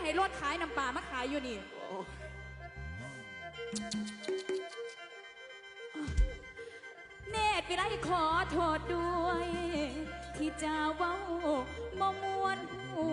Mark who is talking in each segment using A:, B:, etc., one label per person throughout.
A: ให้รถขายน้ำปลามาขายอยู่นี่เนตรวิไลขอโทษด้วยที่จะเว้าบ่มวนหู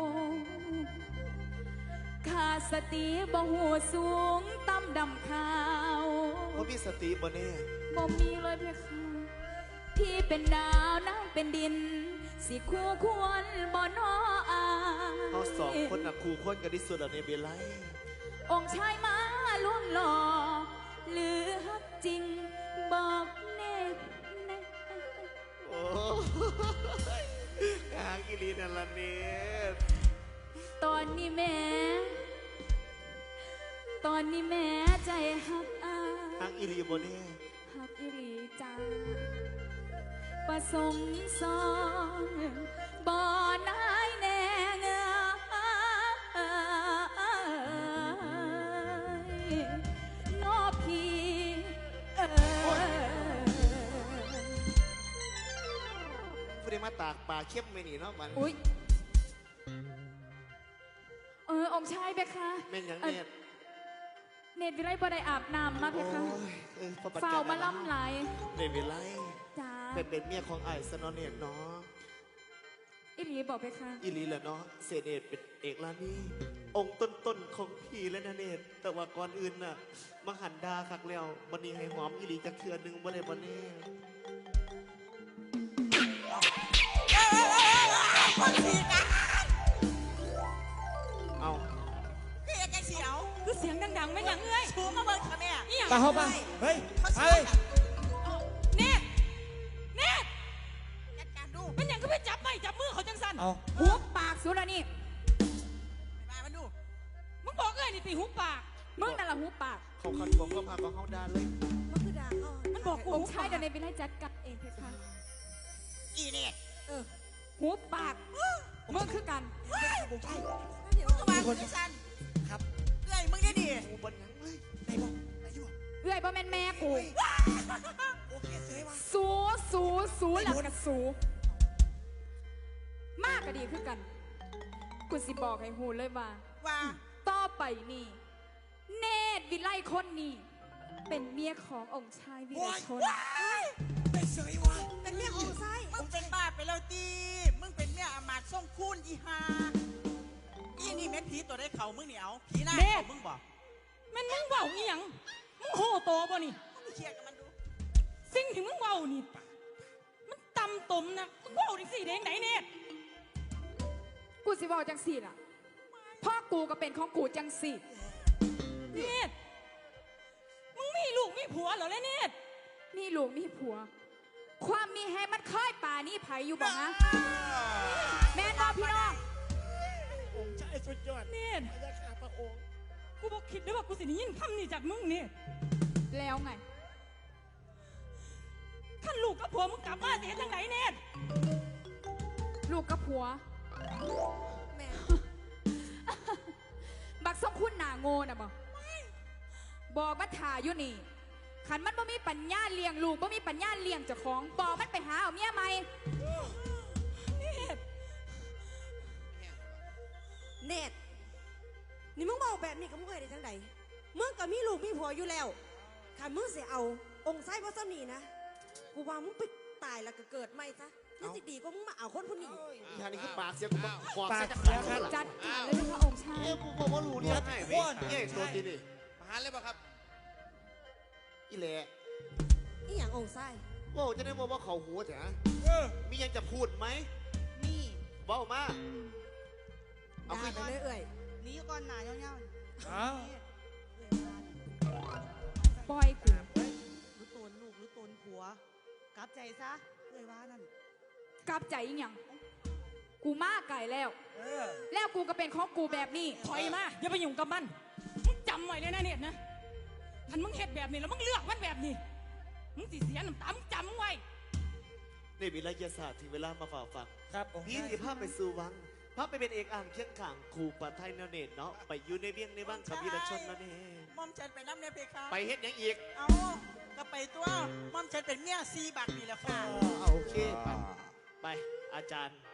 A: ขาดสติบ่หูสูงต่ำดำขาว
B: บ่มีสติบ่แน่
A: บ่มีเลยเพคะพี่เป็นดาวน้ำเป็นดินสิคู่ควรบ่น้ออา
B: เขาสองคนน่ะคู่ควรกันที่สุดแล้วในเบลไล
A: องค์ชายมาล่วงหล่อหรือฮักจริงบอกแน่
B: โอ้กางกิลีนั่นละเนี่ย
A: ตอนนี้แม่ใจฮักอา
B: ฮักอีลีบ่แน่
A: ฮักอีลีจ้าประสมสอนบ่นายแน่เงยนอพี่
B: ผู้ใดมาตากปลาเข้มไม่หนีเนาะมัน
A: อุ้ยองค์ชายเบคะ
B: แม่นยัง
A: เนตรวิไลบ่ได้อาบน้ำมาเพคะฝ้าวมาล่ำไหล
B: เนตรวิไล
A: จ้า
B: เป็นเมียของไอ้สนอเนตรเนาะ
A: อิลีบอกเพคะ
B: อิลีแหละเนาะเสเนตเป็นเอกลานี่องค์ต้นของพี่และนาเนตรแต่ว่าก่อนอื่นน่ะมาหันดาคักแล้ววันนี้ให้หอมอิลีจะเทือนหนึ่งบ่ได้บ่แน่เอา
C: คือยังไงเสียว
A: คือเสียงดังๆไม่ยังเอ้ย
C: ชูมาเบิ่งค่ะแม่
D: ตาเข้ามาเฮ้ย
A: เนต
C: จัดการดู
A: เป็นยังก็ไปจับไม่จับมือเขาจังสัน
D: เอา
A: หุบปากสุดนี่
C: ไปมาดู
A: มึงบอกเอ้ยนี่ตีหุบปากมึงนั่นแหละหุบปาก
B: เขาคันบอกว่าพาเขาด่าเลย
C: มันคือด่าเขา
A: มันบอกกูใช่เดี๋ยวในวิไลจัดกัดเองเพคะ
C: อีเนี่ย
A: หุบปากมึงคือกัน
C: ผมใช่เดี๋ยวมาคนสั้น
D: ครับ
C: เอ้ยมึงได้ดิ
B: กูบนยังเลย
D: ไหนบอก
A: เอ้ยบ่แม่นแม่กู
C: โอเคเสยว่า
A: สูหลับกับสูมากก็ดีคือกันกูสิบอกให้หูเลยว่าต่อไปนี่เนตรวิไลคนนี้เป็นเมียขององค์ชายวิไลชน
D: เป็นเสยว่า
C: เป็นเมียองค์ชายมึงเป็นบ้าไปแล้วตีมึงเป็นเมียอมาตย์ส่งคูณอีฮาอีนี่แม่ผีตัวได้เข่ามึงเหนียวผีหน้ามึงบอก
A: แม่นมึงเบาอีหยังมึงโหโตป่ะนี่
C: มึงเคลียร์กับมันดู
A: สิ่งที่มึงเบานี่มันต่ำตมนะมึงเบาดิสิเด้งไหนเนี่ยกูสิเบาจังสิล่ะพ่อกูก็เป็นของกูจังสิเนี่ยมึงมีลูกมีผัวเหรอเลยเนี่ยมีลูกมีผัวความมีแฮมันค่อยป่านี่ไผอยู่บ่ฮะแม่น้องพี่น้อง
D: องค์ชายสุดยอด
A: เนี่ย
D: พระยาข้าพระองค์
A: กูบอกคิดได้ว่ากูสิได้ยินคำนี้จากมึงเนี่ยแล้วไงท่านลูกกับผัวมึงกลับมาเสียจังไหนเนี่ยลูกกับผัว
C: แม่
A: บักส่งคุณหนาโง่นะบอกมาถ่ายอยู่นี่ขันมันบ่มีปัญญาเลี้ยงลูกบ่มีปัญญาเลี้ยงเจ้าของบอกมันไปหาเอาเมียใหม่
C: เนตรนี่มึงบอกแบบนี้กับมึงเคยได้จังใดมึงก็มีลูกมีผัวอยู่แล้วขันมึงเสียเอาองค์ไส้พ่อสำนีนะกูว่ามึงไปตายแล้วก็เกิดใหม่ซะนี่สิดีก็มึงมาเอาคนผู้นี้
B: ยานี่คือปากเสียกูมาขอด
D: จัด
A: การเลยพระองค์ชาย
B: กูบอกว่ารู้เนี่ยให้ตัวจริงดิ
E: มาหาเลยป่ะครับ
B: อีแหละ
C: อีอย่างองค์ไส้
B: ว่าจะได้บอกว่าเขาหัวแถะมียังจะพูดไหม
C: มี
B: บอกมา
C: เอาไปเรื่อย
E: ๆนี้ก่อนหนาเงี้ยว
A: ปล่อยกู
E: รู้ตนลูกรู้ตนผัวกลับใจซะเลยว่านั่น
A: กลับใจยังกูมากไก่แล้วแล้วกูก็เป็นของกูแบบนี้ถอยมาอย่าไปยุ่งกับมันมึงจำไว้เลยนะเนี่ยนะทันมึงเห็ดแบบนี้แล้วมึงเลือกมันแบบนี้มึงสิเสียน้ำตามึงจำไว้
B: ในวิทยาศาสตร์ถึงเวลามาฝ่าฟัง
D: ครับ
B: พี่สิภาพไปสู่วังภาพไปเป็นเอกอ่างเคียงข่างขู่ปัดไทยนาเนตเนาะไปอยู่ในเวียงในบ้างกับวีรชนนั่นเอง
C: มอมฉันไปน้ำในเพคะ
B: ไปเฮ็ดยังอีก
C: เอาก็ไปตัวมอมฉันเป็นเมียซีบักนี่แหละค่ะ
B: โอเคไปอาจารย์